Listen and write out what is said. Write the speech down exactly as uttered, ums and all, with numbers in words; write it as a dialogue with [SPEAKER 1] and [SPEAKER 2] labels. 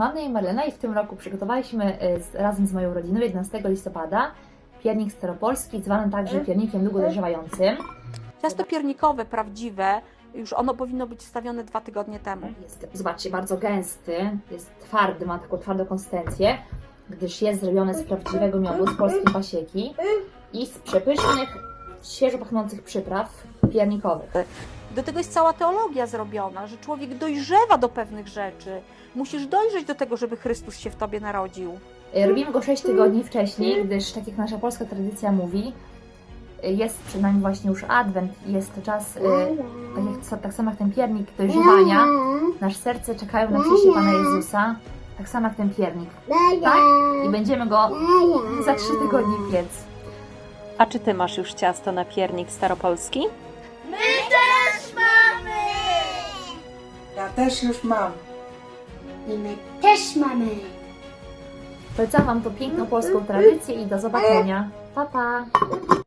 [SPEAKER 1] Mam na imię Marlena i w tym roku przygotowaliśmy z, razem z moją rodziną jedenastego listopada piernik staropolski, zwany także piernikiem długo dojrzewającym.
[SPEAKER 2] Ciasto piernikowe, prawdziwe, już ono powinno być stawione dwa tygodnie temu.
[SPEAKER 1] Jest, zobaczcie, bardzo gęsty, jest twardy, ma taką twardą konsystencję, gdyż jest zrobiony z prawdziwego miodu, z polskiej pasieki i z przepysznych, świeżo pachnących przypraw piernikowych.
[SPEAKER 2] Do tego jest cała teologia zrobiona, że człowiek dojrzewa do pewnych rzeczy. Musisz dojrzeć do tego, żeby Chrystus się w tobie narodził.
[SPEAKER 1] Robimy go sześć tygodni wcześniej, gdyż, tak jak nasza polska tradycja mówi, jest przed nami właśnie już Adwent i jest to czas, tak, jak, tak samo jak ten piernik dojrzewania, nasze serce czekają na przyjście Pana Jezusa, tak samo jak ten piernik, tak? I będziemy go za trzy tygodnie piec.
[SPEAKER 3] A czy Ty masz już ciasto na piernik staropolski?
[SPEAKER 4] My też mamy!
[SPEAKER 5] Ja też już mam.
[SPEAKER 4] I my też mamy!
[SPEAKER 1] Polecam Wam tą piękną polską tradycję i do zobaczenia. Pa, pa!